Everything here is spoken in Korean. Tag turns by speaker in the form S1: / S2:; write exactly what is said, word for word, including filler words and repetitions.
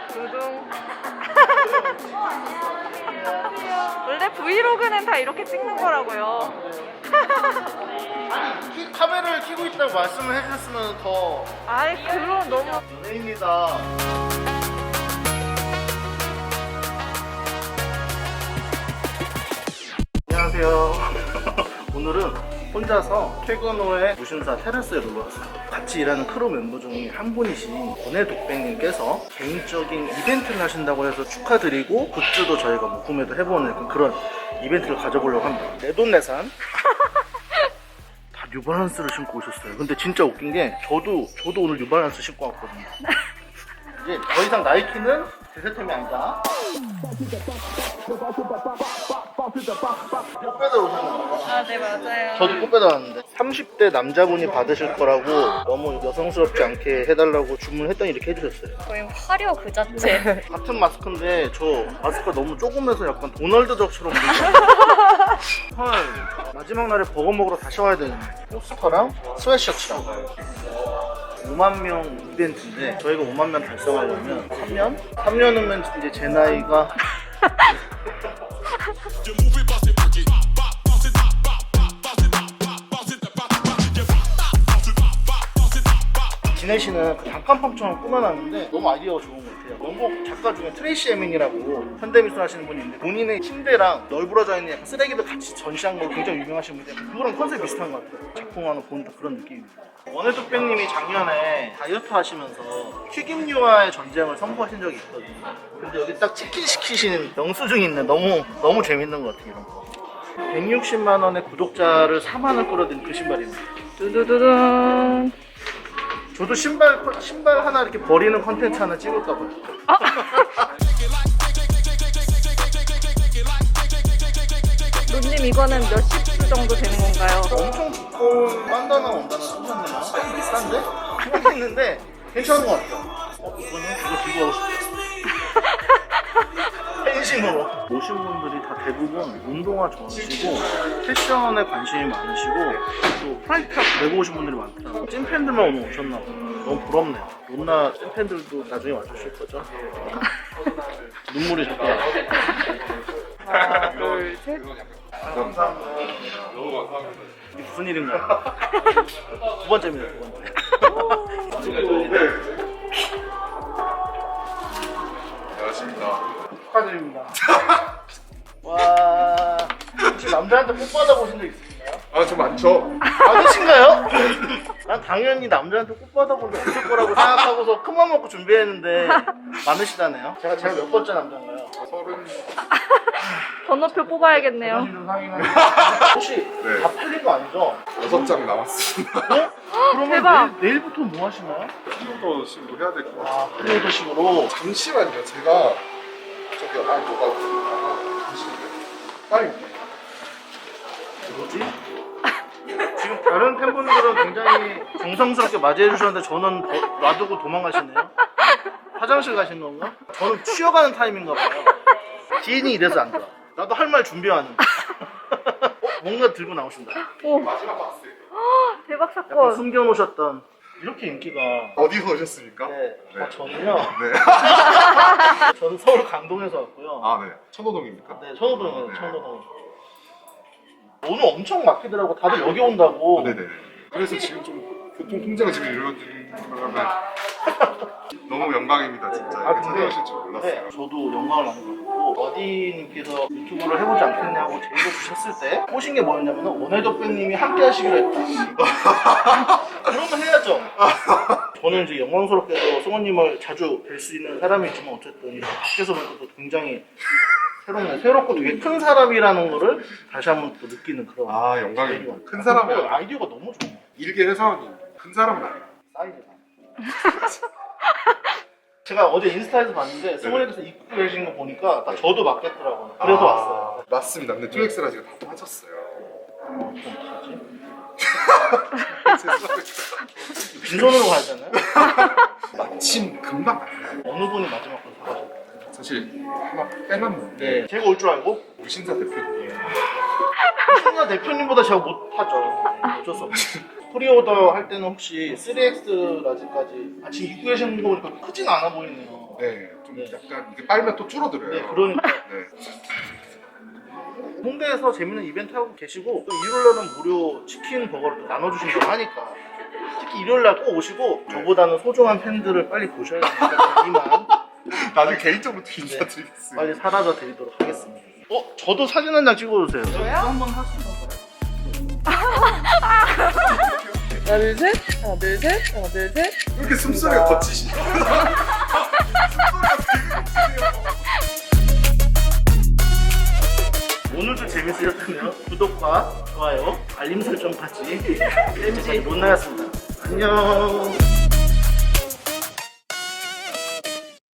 S1: 두둥. 원래 브이로그는 다 이렇게 찍는 거라고요.
S2: 아니 키, 카메라를 켜고 있다고 말씀을 해주셨으면 더.
S1: 아이 그럼 너무.
S2: 연예인이다. 안녕하세요. 오늘은 혼자서 퇴근 후에 무신사 테라스에 놀러 왔어요. 같이 일하는 크루 멤버 중에 한 분이신 권해독백님께서 개인적인 이벤트를 하신다고 해서 축하드리고 굿즈도 저희가 뭐 구매도 해보는 그런 이벤트를 가져보려고 합니다. 내돈내산 다 뉴발란스를 신고 오셨어요. 근데 진짜 웃긴 게 저도 저도 오늘 뉴발란스 신고 왔거든요. 이제 더 이상 나이키는 제 새템이 아니다. 꽃배달 오셨나요?
S1: 아 네 맞아요.
S2: 저도 꽃배달 왔는데 삼십 대 남자분이 받으실 거라고 너무 여성스럽지 않게 해달라고 주문했더니 이렇게 해주셨어요.
S1: 거의 화려 그 자체.
S2: 같은 마스크인데 저 마스크가 너무 조그매서 약간 도널드 덕처럼 보이죠? 헐, 마지막 날에 버거 먹으러 다시 와야 되는데 포스터랑 스웨셔츠랑 오만 명 이벤트인데 저희가 오만 명 달성하려면 삼 년? 삼 년이면 이제 제 나이가 지내시는 그 단칸방처럼 꾸며놨는데 너무 아이디어가 좋은 것 같아요. 원곡 작가 중에 트레이시 에민이라고 현대미술 하시는 분이 있는데 본인의 침대랑 널브러져 있는 약간 쓰레기들 같이 전시한 걸로 굉장히 유명하신 분인데 그거랑 컨셉 비슷한 것 같아요. 작품 하나 보는 그런 느낌입니다. 원해독백님이 작년에 다이어트 하시면서 튀김류와의 전쟁을 선포하신 적이 있거든요. 근데 여기 딱 치킨 시키시는 영수증이 있네. 너무 너무 재밌는 것 같아요. 이런 거. 백육십만 원의 구독자를 사만을 끌어들인 그 신발입니다.
S1: 두두두둥.
S2: 저도 신발 신발 하나 이렇게 버리는 컨텐츠 하나 찍을까 봐요.
S1: 아. 론님 이거는 몇십 수 정도 되는 건가요?
S2: 엄청 두꺼운 반다나 원단을 쓰셨네요. 좀 비싼데? 생각했는데 괜찮은 것 같아요. 어, 이거는 이거 들고 가고 싶어요. 팬심으로. 오신 분들이 다 대부분 운동화 좋아하시고 패션에 관심이 많으시고 또 프라이드탑 메고 오신 분들이 많더라고요. 찐팬들만 오늘 오셨나 봐요. 너무 부럽네요. 론나 찐팬들도 나중에 와주실 거죠? 눈물이 자꾸 나요.
S1: 하나 둘 셋.
S2: 감사합니다. 너무 감사합니다. 이게 무슨 일인가요? 두 번째입니다, 두 번째.
S3: 안녕하십니까.
S2: 축하드립니다. 와, 혹시 남자한테 뽀 받아보신 적 있으신가요?
S3: 아, 저 많죠.
S2: 많으신가요? 난 당연히 남자한테 뽀 받아본 적 없을 거라고 생각하고서 큰맘 먹고 준비했는데 많으시다네요. 제가 제가 몇 번째 남자인가요?
S3: 서른.
S1: 번호표 뽑아야겠네요.
S2: 좀 상이나. 혹시
S3: 네.
S2: 다 팔린 거 아니죠?
S3: 여섯 장 남았습니다.
S2: 네? 그러면
S1: 대박.
S2: 내일, 내일부터 뭐 하시나요?
S3: 프리오더 식으로 해야 될 것 같아요.
S2: 아, 프리오더식으로.
S3: 잠시만요. 제가 저기 아 뭐가 아, 잠시만요. 빨리.
S2: 뭐지? 지금 다른 팬분들은 굉장히 정성스럽게 맞이해 주셨는데 저는 더, 놔두고 도망가시네요. 화장실 가신 건가? 저는 쉬어가는 타임인가 봐요. 지인이 이래서 안 좋아. 나도 할 말 준비하는데. 어? 뭔가 들고 나오신다.
S1: 오
S3: 마지막 박스.
S1: 대박
S2: 약간
S1: 사건.
S2: 숨겨놓으셨던 이렇게 인기가.
S3: 어디서 오셨습니까?
S2: 네.
S3: 네.
S2: 아, 저는요.
S3: 네.
S2: 저는 서울 강동에서 왔고요.
S3: 아, 네. 천호동입니까?
S2: 네, 천호동이에요.
S3: 네.
S2: 천호동. 오늘 엄청 막히더라고. 다들 여기 온다고.
S3: 네네. 그래서 지금 좀 교통 통제가 지금 이루어지는 바람에 너무 영광입니다, 진짜.
S2: 아,
S3: 이렇게
S2: 근데
S3: 찾아오실 줄 몰랐어요.
S2: 네, 저도 영광을 많이 받고 어디님께서 유튜브를 해보지 않겠냐고 제의를 주셨을 때 보신 게 뭐였냐면 원해독백님이 함께 하시기로 했다. 그러면 해야죠. 저는 이제 영광스럽게도 송원님을 자주 뵐 수 있는 사람이지만 어쨌든 이렇게 밖에서 보면 또 굉장히 새롭네. 새롭고 되게 큰 사람이라는 거를 다시 한번 또 느끼는 그런.
S3: 아, 영광입니다. 큰 사람이
S2: 그리고 아이디어가 너무 좋네.
S3: 일개 회사원이 큰 사람은 아니에요.
S2: 사이즈가. 제가 어제 인스타에서 봤는데 승원이께서 입고 계신 거 보니까 딱 저도 맞겠더라고요. 그래서
S3: 아,
S2: 왔어요.
S3: 맞습니다. 근데 투엑스라 지금 다 빠졌어요.
S2: 어, 좀 어떡하지?
S3: 죄송합니다.
S2: 빈손으로 가야 되나요?
S3: 마침 금방 왔어요.
S2: 어느 분이 마지막 걸 사가셨어요?
S3: 사실 하나 빼놨는데
S2: 네, 제가 올 줄 알고
S3: 무신사 대표님
S2: 신나 대표님보다 제가 못하죠. 어쩔 수 없죠. 프리오더 할 때는 혹시 쓰리 엑스 라지까지 아, 지금 입고 계시는 거 보니까 크진 않아 보이네요.
S3: 네, 좀
S2: 네.
S3: 약간 이게 빨면 또 줄어들어요.
S2: 네, 그러니까
S3: 네.
S2: 홍대에서 재밌는 이벤트 하고 계시고 또 일요일날은 무료 치킨 버거를 또 나눠주신다고 하니까 특히 일요일날 꼭 오시고 저보다는 소중한 팬들을 빨리 보셔야 되니까 이만
S3: 나중에 개인적으로 또 인사
S2: 네.
S3: 드리겠습니다.
S2: 빨리 사라져 드리도록 하겠습니다. 어? 저도 사진 한 장 찍어주세요.
S1: 저요?
S2: 한번 하시던가요?
S1: 하나 둘 셋, 하나 둘 셋, 하나 둘 셋.
S3: 왜 이렇게 숨소리가 거치시죠? 숨소리가 되게 거치네요.
S2: 오늘도 재밌으셨다면 구독과 좋아요, 알림 설정까지 재밌게 못 나갔습니다. 안녕.